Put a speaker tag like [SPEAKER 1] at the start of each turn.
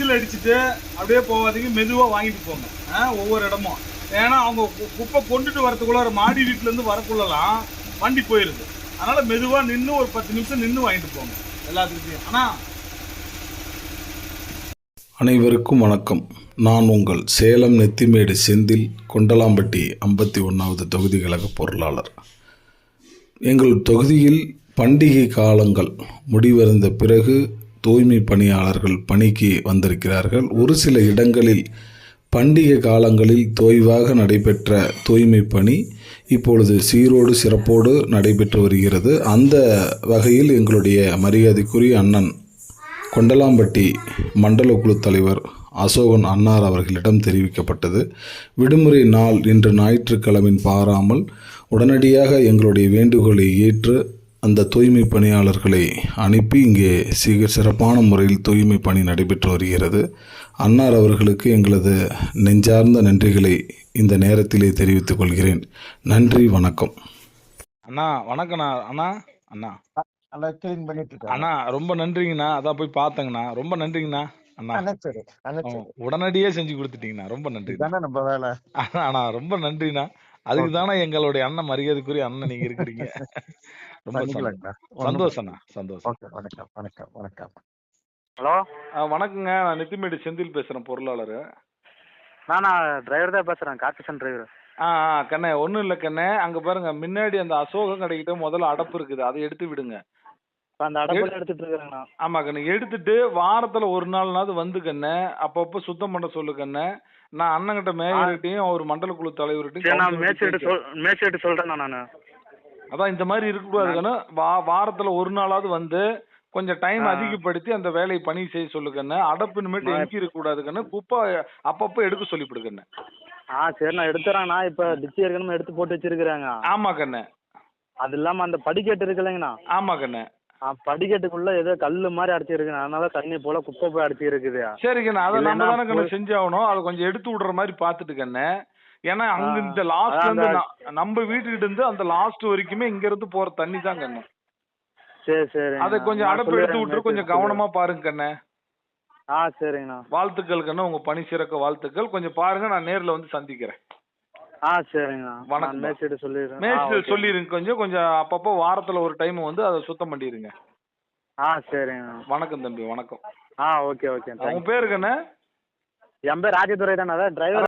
[SPEAKER 1] Whistle அடிச்சுட்டு அப்படியே போகாதீங்க, மெதுவா வாங்கிட்டு போங்க. ஒவ்வொரு இடமும். ஏன்னா அவங்க குப்பை கொண்டுட்டு வரதுக்குள்ள ஒரு மாடி வீட்டுல இருந்து வரக்குள்ளலாம் வண்டி போயிருது. அதனால மெதுவா நின்று ஒரு 10 நிமிஷம் நின்று வாங்கிட்டு போங்க எல்லாத்துக்கிட்டையும். ஆனா
[SPEAKER 2] அனைவருக்கும் வணக்கம். நான் உங்கள் சேலம் நெத்திமேடு செந்தில், கொண்டலாம்பட்டி 51வது தொகுதி கழக பொருளாளர். எங்கள் தொகுதியில் பண்டிகை காலங்கள் முடிவடைந்த பிறகு தூய்மை பணியாளர்கள் பணிக்கு வந்திருக்கிறார்கள். ஒரு சில இடங்களில் பண்டிகை காலங்களில் தொய்வாக நடைபெற்ற தூய்மை பணி இப்பொழுது சீரோடு சிறப்போடு நடைபெற்று வருகிறது. அந்த வகையில் எங்களுடைய மரியாதைக்குரிய அண்ணன் கொண்டலாம்பட்டி மண்டல குழு தலைவர் அசோகன் அன்னார் அவர்களிடம் தெரிவிக்கப்பட்டது. விடுமுறை நாள் இன்று ஞாயிற்றுக்கிழமை பாராமல் உடனடியாக எங்களுடைய வேண்டுகோளை ஏற்று அந்த தூய்மை பணியாளர்களை அனுப்பி இங்கே சிறப்பான முறையில் தூய்மை பணி நடைபெற்று வருகிறது. அன்னார் அவர்களுக்கு எங்களது நெஞ்சார்ந்த நன்றிகளை இந்த நேரத்திலே தெரிவித்துக் கொள்கிறேன். நன்றி, வணக்கம்.
[SPEAKER 1] அண்ணா வணக்கண்ணா. அண்ணா அண்ணா
[SPEAKER 3] கிளீன் பண்ணிட்டு இருக்காங்க.
[SPEAKER 1] அண்ணா ரொம்ப நன்றிங்கண்ணா. அதான் போய் பார்த்தேங்கண்ணா. ரொம்ப நன்றிங்கண்ணா. அண்ணா உடனடியே செஞ்சு கொடுத்துட்டீங்கண்ணா. ரொம்ப நன்றி.
[SPEAKER 3] நம்ம வேலை.
[SPEAKER 1] அண்ணா ரொம்ப நன்றிண்ணா. அதுக்கு தானே எங்களுடைய அண்ணன், மரியாதைக்குரிய அண்ணன் நீங்க இருக்கிறீங்க. ரொம்ப சந்தோஷம்ண்ணா. சந்தோஷம்.
[SPEAKER 3] வணக்கம் வணக்கம் வணக்கம்.
[SPEAKER 4] ஹலோ,
[SPEAKER 1] வணக்கங்க. நான் நெத்திமேடு செந்தில் பேசுறேன், பொருளாளர்.
[SPEAKER 4] நான் டிரைவர் தான் பேசுறேன், கார்பரேஷன் டிரைவர்.
[SPEAKER 1] கண்ணே, ஒன்றும் இல்லை கண்ணே. அங்கே பாருங்க, முன்னாடி அந்த அசோகம் கடைக்கிட்ட முதல்ல அடப்பு இருக்குது, அதை எடுத்து விடுங்க.
[SPEAKER 4] அந்த அடப்பு எடுத்துட்டு இருக்காங்கண்ணா.
[SPEAKER 1] ஆமா கண்ணு, எடுத்துட்டு வாரத்துல ஒரு நாள்னாவது வந்து கண்ணே அப்பப்போ சுத்தம் பண்ண சொல்லு கண்ணே. நான் அண்ணங்கிட்ட மேயர்கிட்டையும் அவர் மண்டல குழு தலைவர்கிட்டையும்
[SPEAKER 4] மேய்ச்சிட்டு சொல்றேன் நான்.
[SPEAKER 1] அதான் இந்த மாதிரி இருக்கக்கூடாது கண்ணு. வாரத்துல ஒரு நாளாவது வந்து கொஞ்சம் டைம் அதிகப்படுத்தி அந்த வேலையை பணி செய்ய சொல்லு கண்ணு. அடப்பு இனிமேட்டு எங்கி இருக்க கூடாது கண்ணு. குப்பை அப்பப்போ எடுக்க சொல்லிவிடு கண்ணு.
[SPEAKER 4] சரி, நான் எடுத்துறேன். இப்ப டிச்சி ஏற்கனவே எடுத்து போட்டு வச்சிருக்கிறாங்க.
[SPEAKER 1] ஆமா கண்ணு.
[SPEAKER 4] அது இல்லாம அந்த படிக்கட்டு இருக்கு இல்லைங்கண்ணா.
[SPEAKER 1] ஆமா கண்ணு.
[SPEAKER 4] படிக்கட்டுக்குள்ள ஏதோ கல்லு மாதிரி அடிச்சு இருக்கு, அதனால தண்ணி போல குப்பை போய் அடிச்சு இருக்குது.
[SPEAKER 1] சரி கண்ணு, அதை நம்ம தானே கண்ணு செஞ்சாகணும். அதை கொஞ்சம் எடுத்து விடுற மாதிரி பாத்துட்டு கண்ணு. ஏன்னா அங்க இந்த லாஸ்ட்ல இருந்து நம்ம வீட்டுக்கிட்ட இருந்து அந்த லாஸ்ட் வரைக்குமே இங்க இருந்து போற தண்ணி தான் கண்ணு.
[SPEAKER 4] சரி சரி,
[SPEAKER 1] அதை கொஞ்சம் அடப்பு எடுத்து விட்டு கொஞ்சம் கவனமா பாருங்க கண்ணு.
[SPEAKER 4] சரிங்கண்ணா.
[SPEAKER 1] வாழ்த்துக்கள் கண்ணு, உங்க பணி சிறக்க வாழ்த்துக்கள். கொஞ்சம் பாருங்க, நான் நேர்ல வந்து சந்திக்கிறேன்.
[SPEAKER 4] சரிங்கண்ணா.
[SPEAKER 1] வணக்கம்.
[SPEAKER 4] மேய்ச்சிட்டு
[SPEAKER 1] சொல்லிருங்க. கொஞ்சம் அப்பப்போ வாரத்துல ஒரு டைம் வந்து அதை சுத்தம் பண்ணிருங்க.
[SPEAKER 4] சரிங்கண்ணா.
[SPEAKER 1] வணக்கம் தம்பி, வணக்கம்.
[SPEAKER 4] Okay okay.
[SPEAKER 1] உங்க பேரு கண்ணு?
[SPEAKER 4] என் பேர் ராஜதுரை தானே, டிரைவர்.